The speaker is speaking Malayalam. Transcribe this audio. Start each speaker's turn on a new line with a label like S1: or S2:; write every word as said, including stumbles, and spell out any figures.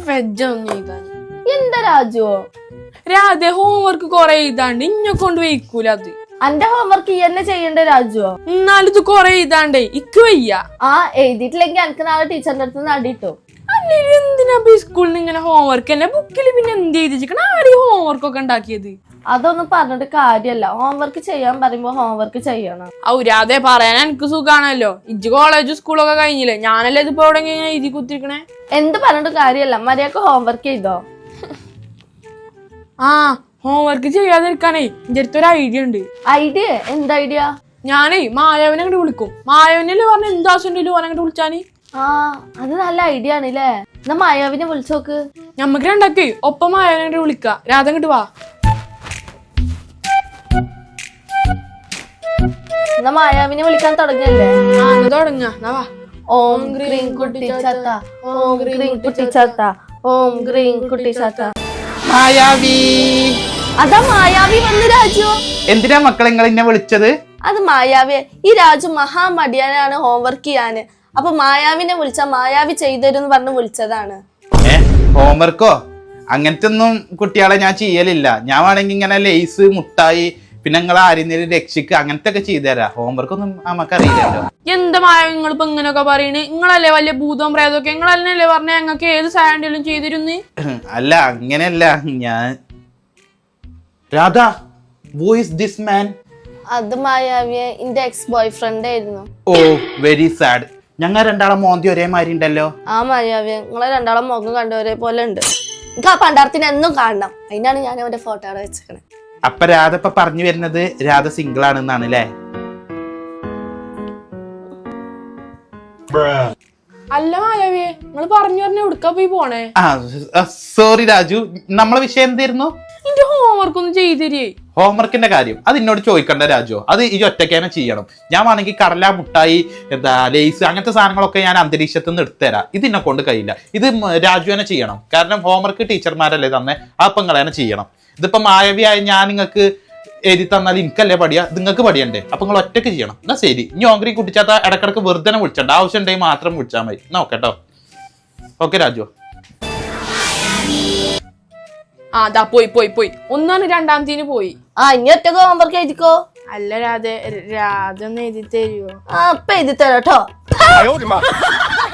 S1: വെജൊന്നും എഴുതാൻ.
S2: എന്താ രാജു
S1: രാധ ഹോംവർക്ക് കൊറേ എഴുതാണ്ട് ഇന്നെ കൊണ്ട് വയ്ക്കൂല അത്.
S2: അന്റെ ഹോംവർക്ക് ഈ തന്നെ ചെയ്യണ്ടേ രാജു?
S1: എന്നാലും ഇത് കൊറേ എഴുതാണ്ടേ ഇക്ക് വയ്യ.
S2: ആ എഴുതിയിട്ടില്ലെങ്കിൽ എനിക്ക് നാളെ ടീച്ചറിന്റെ അടുത്ത് നടിട്ടോ.
S1: അല്ലെങ്കിൽ എന്തിനാ സ്കൂളിൽ നിന്ന് ഇങ്ങനെ ഹോംവർക്ക് തന്നെ? ബുക്കിൽ പിന്നെ എന്ത് എഴുതിച്ചിരിക്കണം? ആര് ഹോംവർക്ക് ഒക്കെ ഉണ്ടാക്കിയത്?
S2: അതൊന്നും പറഞ്ഞിട്ട് കാര്യല്ല. ഹോംവർക്ക് ചെയ്യാൻ പറയുമ്പോ ഹോംവർക്ക് ചെയ്യണം.
S1: ഔരാതെ പറയാൻ എനിക്ക് സുഖാണല്ലോ. ഇജ്ജ് കോളേജ് സ്കൂളൊക്കെ കഴിഞ്ഞില്ലേ? ഞാനല്ലേ ഇതിപ്പോ എവിടെ ഇങ്ങനെ എഴുതി കുത്തിരിക്കണേ?
S2: എന്ത് പറഞ്ഞിട്ട് കാര്യല്ല. മര്യാദക്ക് ഹോംവർക്ക് ചെയ്തോ?
S1: ആ ഹോംവർക്ക് ചെയ്യാതിരിക്കാനേ എന്റെ അടുത്തൊരു ഐഡിയ ഉണ്ട്.
S2: ഐഡിയ? എന്ത് ഐഡിയ?
S1: ഞാനേ മായാവിനെ അങ്ങോട്ട് വിളിക്കും. മായാവിനല്ലേ പറഞ്ഞ എന്താവശ്യം ഓനങ്ങോട്ട് വിളിച്ചാന്.
S2: ആ അത് നല്ല ഐഡിയ ആണല്ലേ. എന്നാ മായാവിനെ വിളിച്ചോക്ക്.
S1: ഞമ്മക്ക് രണ്ടാക്കേ ഒപ്പം മായാവിനെ അങ്ങോട്ട് വിളിക്കാം. രാധ അങ്ങോട്ട് വാ.
S2: എന്നാ മായാവിനെ വിളിക്കാൻ തുടങ്ങല്ലേ?
S1: ആ തുടങ്ങാ. വാ.
S2: ഓം ഗ്രീം കുട്ടി ചാത്ത, ഓം ഗ്രീം കുട്ടി ചാത്ത, ഓം ഗ്രീം കുട്ടി ചാത്ത.
S3: മായാവി.
S2: അതാ മായാവി വന്ന് രാജു.
S3: എന്തിനാ മക്കളെ നിങ്ങൾ എന്നെ വിളിച്ചത്?
S2: അത് മായാവി. ഈ രാജു മഹാമടിയാനാണ് ഹോംവർക്ക് ചെയ്യാന്. അപ്പൊ മായാവിനെ വിളിച്ചാ മായാവി ചെയ്തരും പറഞ്ഞ് വിളിച്ചതാണ്.
S3: ഏ ഹോംവർക്കോ? അങ്ങനത്തെ ഒന്നും കുട്ടികളെ ഞാൻ ചെയ്യലില്ല. ഞാൻ വേണമെങ്കിൽ ഇങ്ങനെ ലേസ്, മുട്ടായി, പിന്നെ നിങ്ങൾ ആരെങ്കിലും രക്ഷിക്ക് അങ്ങനത്തെ ഒക്കെ ചെയ്തുതരാം. ഹോംവർക്ക് ഒന്നും നമുക്കറിയില്ലല്ലോ.
S1: എന്താ മായാവി നിങ്ങളിപ്പോ ഇങ്ങനെയൊക്കെ പറയണ്? നിങ്ങളല്ലേ വലിയ ഭൂതവും പ്രേതമൊക്കെ? നിങ്ങളല്ലേ പറഞ്ഞ ഞങ്ങൾക്ക് ഏത് സാൻഡിലും ചെയ്തിരുന്നു?
S3: അല്ല അങ്ങനെയല്ല. ഞാൻ Radha, who is this man?
S2: അത് മായാവിയെ എന്റെ എക്സ് ബോയ് ഫ്രണ്ട് ആയിരുന്നു.
S3: Oh very sad. ഞങ്ങൾ രണ്ടാളെ മോന്തി ഒരേ മാതിരി ഉണ്ടല്ലോ.
S2: ആ മായാവിയെ നിങ്ങളെ രണ്ടാളെ മുഖം കണ്ട ഒരേ പോലെ ഉണ്ട്. എനിക്ക് ആ പണ്ടാരത്തിന് എന്നും കാണണം. അതിനാണ് ഞാൻ അവന്റെ ഫോട്ടോ അവിടെ വെച്ചേക്കണേ.
S3: അപ്പൊ രാധ ഇപ്പൊ പറഞ്ഞു വരുന്നത് രാധ സിംഗിൾ ആണെന്നാണ് അല്ലേ?
S1: അല്ല മായാവിയെ നിങ്ങൾ പറഞ്ഞു പറഞ്ഞ എവിടുക്കാ പോയി പോണേ?
S3: ആ സോറി രാജു, നമ്മളെ വിഷയം എന്തായിരുന്നു?
S1: എന്റെ ഹോംവർക്ക് ഒന്ന് ചെയ്തരേ.
S3: ഹോംവർക്കിന്റെ കാര്യം അത് എന്നോട് ചോദിക്കണ്ട രാജു. അത് ഈ ഒറ്റയ്ക്ക് ചെയ്യണം. ഞാൻ വേണമെങ്കിൽ കടല, മുട്ടായി, എന്താ ലേസ് അങ്ങനത്തെ സാധനങ്ങളൊക്കെ ഞാൻ അന്തരീക്ഷത്തിൽ നിന്ന് എടുത്തുതരാം. ഇത് എന്നെ കൊണ്ട് കഴിയില്ല. ഇത് രാജു തന്നെ ചെയ്യണം. കാരണം ഹോംവർക്ക് ടീച്ചർമാരല്ലേ തന്നെ. അപ്പം നിങ്ങൾ തന്നെ ചെയ്യണം. ഇതിപ്പോ മായവിയായ ഞാൻ നിങ്ങൾക്ക് എഴുതി തന്നാൽ എനിക്കല്ലേ പഠിയാ, നിങ്ങൾക്ക് പഠിയണ്ടേ? അപ്പൊ നിങ്ങൾ ഒറ്റയ്ക്ക് ചെയ്യണം. എന്നാ ശരി. ഇനി ഓങ്കറി കുട്ടിച്ചാത്ത ഇടക്കിടക്ക് വെറുതെ വിളിച്ചണ്ട. ആവശ്യം ഉണ്ടെങ്കിൽ മാത്രം വിളിച്ചാൽ മതി. എന്നാ ഓക്കെ കേട്ടോ. ഓക്കെ രാജു.
S1: ആ ദാ പോയി പോയി പോയി ഒന്നാണ് രണ്ടാമത്തേന് പോയി.
S2: ആ ഇനി ഒറ്റക്ക് ഹോംവർക്ക് എഴുതിക്കോ.
S1: അല്ല രാധ രാധ ഒന്ന് എഴുതി തരുവോ?
S2: ആ ഇപ്പൊ എഴുതി തരാം കേട്ടോ.